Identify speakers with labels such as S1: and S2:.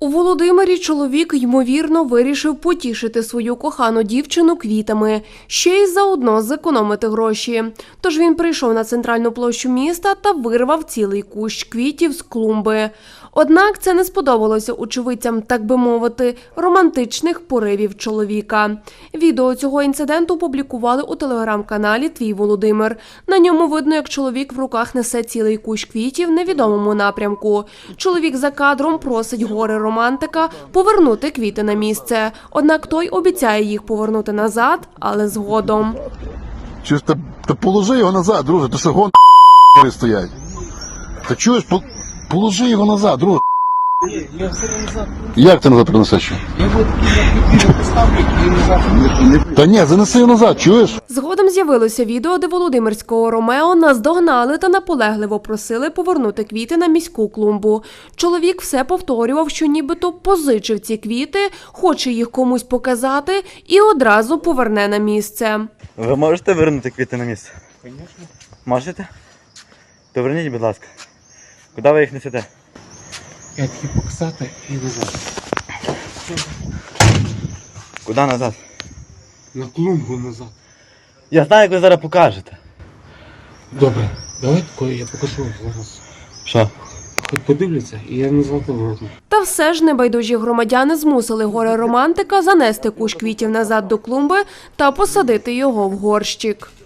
S1: У Володимирі чоловік, ймовірно, вирішив потішити свою кохану дівчину квітами, ще й заодно зекономити гроші. Тож він прийшов на центральну площу міста та вирвав цілий кущ квітів з клумби. Однак це не сподобалося очевидцям, так би мовити, романтичних поривів чоловіка. Відео цього інциденту опублікували у телеграм-каналі «Твій Володимир». На ньому видно, як чоловік в руках несе цілий кущ квітів в невідомому напрямку. Чоловік за кадром просить горе-романтика повернути квіти на місце. Однак той обіцяє їх повернути назад, але згодом.
S2: Чуєш, та положи його назад, друже, то що гон стоять. Та чуєш, положи його назад, друже.
S3: Ні, я все назад.
S2: Як ти назад принесеш?
S3: Я вот такі поставлю і назад.
S2: Та ні, занеси його назад, чуєш?
S1: Згодом з'явилося відео, де володимирського Ромео наздогнали та наполегливо просили повернути квіти на міську клумбу. Чоловік все повторював, що нібито позичив ці квіти, хоче їх комусь показати і одразу поверне на місце.
S4: Ви можете вернути квіти на місце?
S3: Звісно.
S4: Можете? То верніть, будь ласка. Куди ви їх несете?
S3: Я такі показати і назад.
S4: Куди назад?
S3: На клумбу назад.
S4: Я знаю, як ви зараз покажете.
S3: Добре, давай такое я покажу зараз.
S4: Що?
S3: Хоч подивляться, і я назад поверну.
S1: Та все ж небайдужі громадяни змусили горе-романтика занести кущ квітів назад до клумби та посадити його в горщик.